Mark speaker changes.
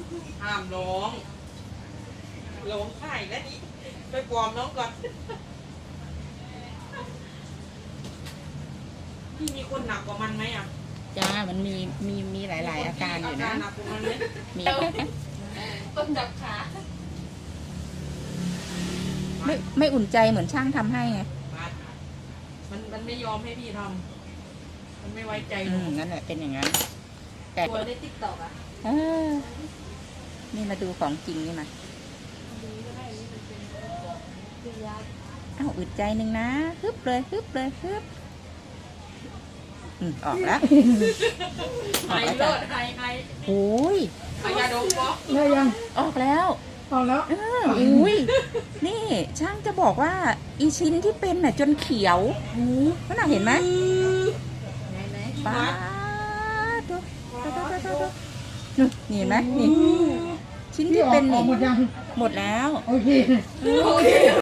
Speaker 1: ห้ามร้องไห้แล้วนี่ไปปลอมน้องก่อนพี่มีคนหนักกว่ามันไหมอ่ะ
Speaker 2: จ้ามันมีหลายอาการอยู่นะ
Speaker 1: หนักกว่ามันไหม
Speaker 2: มี
Speaker 3: ต้นจับขา
Speaker 2: ไม่อุ่นใจเหมือนช่างทำให้ไง
Speaker 1: มันไม่ยอมให้พี่ทำมันไม่ไว้ใจหนู
Speaker 2: นั่นแหละเป็นอย่างนั้นแต่
Speaker 3: ตัวในติ๊กต็อกอ่ะ
Speaker 2: เออนี่มาดูของจริงนี่มา
Speaker 3: คือยา
Speaker 2: อ้าวอึดใจหนึ่งนะฮึบเลยฮึบออกแล้ว
Speaker 1: ไฮเลิศไฮ
Speaker 2: โอ้ย
Speaker 1: ไฮยาดมปะ
Speaker 4: ได้ยัง
Speaker 2: ออกแล้ว
Speaker 4: เอาแล้ว
Speaker 2: อุ้ยนี่ช่างจะบอกว่าอีชิ้นที่เป็นน่ะจนเขียวนั่นน่ะเห็นไหม
Speaker 3: ไหน
Speaker 2: ป้าดูนี่เห็นไหมนี่ชิ้นที่เป็น
Speaker 4: ออ
Speaker 2: นี่
Speaker 4: กหมดยัง
Speaker 2: หมดแล้ว
Speaker 4: โอเค
Speaker 1: โอเค